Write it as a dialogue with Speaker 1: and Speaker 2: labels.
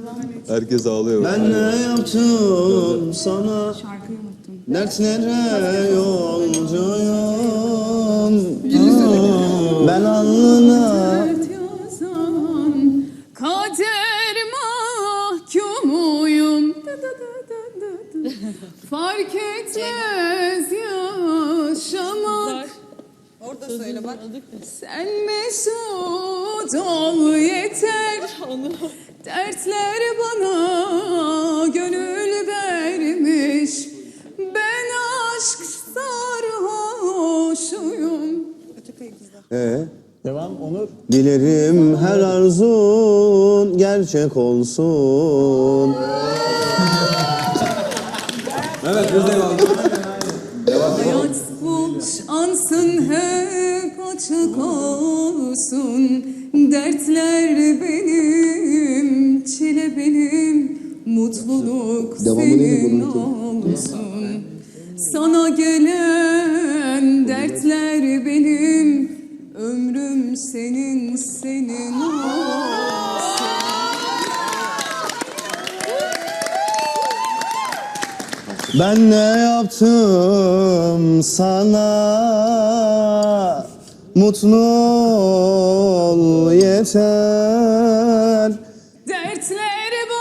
Speaker 1: Herkes ağlıyor.
Speaker 2: Ben ne yaptım sana?
Speaker 3: Şarkıyı unuttum.
Speaker 2: Dertlere yolcuyum. Ben alnına
Speaker 3: Dert yazan kader mahkumuyum. Fark etmez yaşamak.
Speaker 4: Orada söyle bak.
Speaker 3: Sen mesut ol yeter. Dertler bana gönül vermiş. Ben aşk sarhoşuyum.
Speaker 2: Devam Onur. Dilerim her arzun gerçek olsun.
Speaker 1: Evet, biz devam.
Speaker 3: Hayat boş ansın hep açık olsun. Dertler benim, çile benim, mutluluk senin olsun. Sana gelen dertler benim, ömrüm senin, senin olsun.
Speaker 2: Ben ne yaptım sana? Mutlu ol yeter.
Speaker 3: Dertler